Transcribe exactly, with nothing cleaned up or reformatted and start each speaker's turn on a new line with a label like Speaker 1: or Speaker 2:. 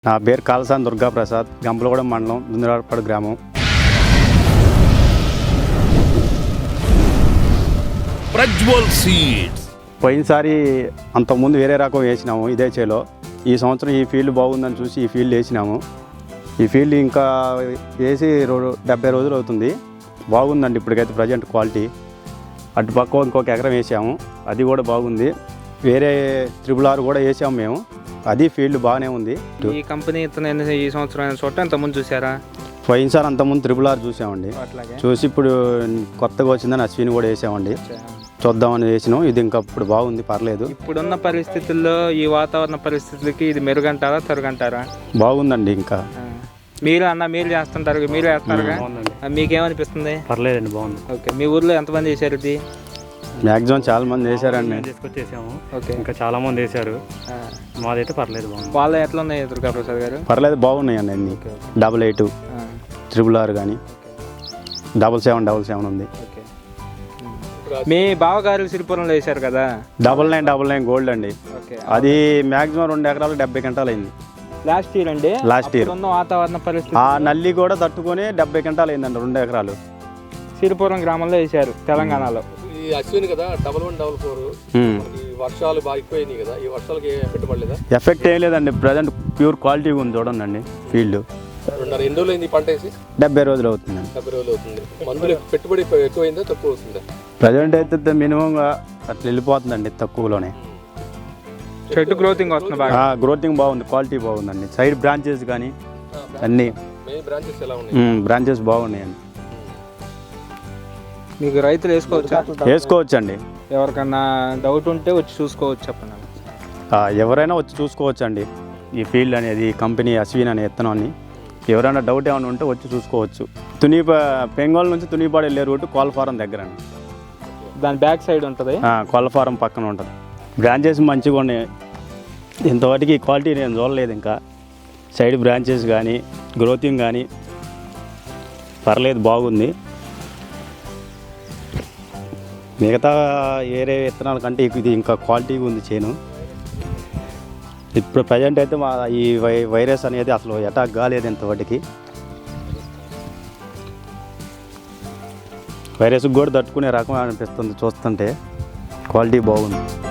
Speaker 1: నా పేరు కాలసాని దుర్గాప్రసాద్, గంపలగూడెం మండలం, దుందిరాడపాడు గ్రామం.
Speaker 2: ప్రజ్వల్ సీడ్స్
Speaker 1: పోయినసారి అంతకుముందు వేరే రకం వేసినాము ఇదే చేలో. ఈ సంవత్సరం ఈ ఫీల్డ్ బాగుందని చూసి ఈ ఫీల్డ్ వేసినాము. ఈ ఫీల్డ్ ఇంకా వేసి రో డెబ్బై రోజులు అవుతుంది. బాగుందండి ఇప్పటికైతే ప్రజెంట్ క్వాలిటీ. అటుపక్క ఇంకొక ఎకరం వేసాము, అది కూడా బాగుంది. వేరే త్రిబుల్ ఆర్ కూడా వేసాము మేము, అది ఫీల్డ్ బాగానే ఉంది.
Speaker 3: ఈ కంపెనీ ఈ సంవత్సరం చోట ఇంతకుముందు చూసారా?
Speaker 1: పోయినసారి అంతకుముందు త్రిబుల్ ఆర్ చూసామండి. చూసి ఇప్పుడు కొత్తగా వచ్చిందని అశ్విని కూడా వేసామండి. చూద్దామని వేసినాం. ఇది ఇంకా ఇప్పుడు బాగుంది, పర్లేదు.
Speaker 3: ఇప్పుడున్న పరిస్థితుల్లో ఈ వాతావరణ పరిస్థితులకి ఇది మెరుగంటారా తరుగంటారా?
Speaker 1: బాగుందండి. ఇంకా
Speaker 3: మీరు అన్న మీరు చేస్తుంటారు, మీరు వేస్తారుగా, మీకేమనిపిస్తుంది?
Speaker 4: పర్లేదండి, బాగుంది.
Speaker 3: ఓకే, మీ ఊర్లో ఎంతమంది వేసారు ఇది?
Speaker 1: మ్యాక్సిమం చాలా మంది వేసారండి.
Speaker 4: తీసుకొచ్చేసాము.
Speaker 3: ఓకే,
Speaker 4: ఇంకా చాలా మంది వేసారు. మాదైతే పర్లేదు, బాగుంది.
Speaker 3: వాళ్ళు ఎట్లా ఉన్నాయి దుర్గాప్రసాద్ గారు?
Speaker 1: పర్లేదు, బాగున్నాయండి అన్ని. డబల్ ఎయిట్ త్రిబుల్ ఆర్ కానీ డబల్ సెవెన్ డబల్ సెవెన్ ఉంది.
Speaker 3: ఓకే, మీ బావగారు సిరిపురంలో వేశారు కదా,
Speaker 1: double nine double nine gold అండి.
Speaker 3: ఓకే,
Speaker 1: అది మ్యాక్సిమం రెండు ఎకరాలు డెబ్బై గంటలు అయింది
Speaker 3: లాస్ట్ ఇయర్ అండి.
Speaker 1: లాస్ట్ ఇయర్
Speaker 3: ఉన్న వాతావరణ పరిస్థితి
Speaker 1: ఆ నల్లి కూడా తట్టుకొని డెబ్బై గంటలు అయిందండి రెండు ఎకరాలు.
Speaker 3: సిరిపురం గ్రామంలో వేశారు తెలంగాణలో.
Speaker 5: ఈ అశ్విని కదా డబల్ వన్ డబల్ ఫోర్, వర్షాలు బాగా ఎక్కువైనాయి కదా, ఈ వర్షాలకి ఎఫెక్ట్ పడలేదా?
Speaker 1: ఎఫెక్ట్ ఏం లేదండి, ప్రజెంట్ ప్యూర్ క్వాలిటీ ఉంది. చూడండి ఫీల్డ్
Speaker 5: రెండున్నర ఎన్ని రోజులు అయింది పంట వేసి?
Speaker 1: డెబ్బై రోజులు అవుతుందండి.
Speaker 5: డెబ్బై రోజులు అవుతుంది. మందులు పెట్టుబడి ఎక్కువైందా తక్కువ అవుతుందా?
Speaker 1: ప్రజెంట్ అయితే మినిమంగా అట్లా వెళ్ళిపోతుందండి, తక్కువలోనే.
Speaker 3: చెట్టు గ్రోతింగ్ వస్తుంది బాగా.
Speaker 1: గ్రోతింగ్ బాగుంది, క్వాలిటీ బాగుందండి. సైడ్ బ్రాంచెస్ కానీ అన్ని
Speaker 5: మెయిన్ బ్రాంచెస్ ఎలా ఉన్నాయి?
Speaker 1: బ్రాంచెస్ బాగున్నాయండి.
Speaker 3: మీకు రైతులు వేసుకోవచ్చా?
Speaker 1: వేసుకోవచ్చు అండి.
Speaker 3: ఎవరికన్నా డౌట్ ఉంటే వచ్చి చూసుకోవచ్చు, చెప్పండి.
Speaker 1: ఎవరైనా వచ్చి చూసుకోవచ్చు అండి. ఈ ఫీల్డ్ అనేది కంపెనీ అశ్విన్ అనే విత్తనాన్ని ఎవరైనా డౌట్ ఏమైనా ఉంటే వచ్చి చూసుకోవచ్చు. తుని పెంగోల్ నుంచి తునిపాడు వెళ్ళే రూట్ కోళ్ళఫారం దగ్గర అండి.
Speaker 3: దాని బ్యాక్ సైడ్ ఉంటుంది,
Speaker 1: కోళ్ళఫారం పక్కన ఉంటుంది. బ్రాంచెస్ మంచిగా ఉన్నాయి. ఇంతవరకు ఈ క్వాలిటీ నేను చూడలేదు. ఇంకా సైడ్ బ్రాంచెస్ కానీ గ్రోతింగ్ కానీ పర్లేదు, బాగుంది. మిగతా వేరే విత్తనాల కంటే ఇది ఇంకా క్వాలిటీగా ఉంది చేను. ఇప్పుడు ప్రజెంట్ అయితే మా ఈ వై వైరస్ అనేది అసలు అటాక్ కాలేదు ఇంతవరకు. వైరస్కి కూడా తట్టుకునే రకం అనిపిస్తుంది చూస్తుంటే. క్వాలిటీ బాగుంది.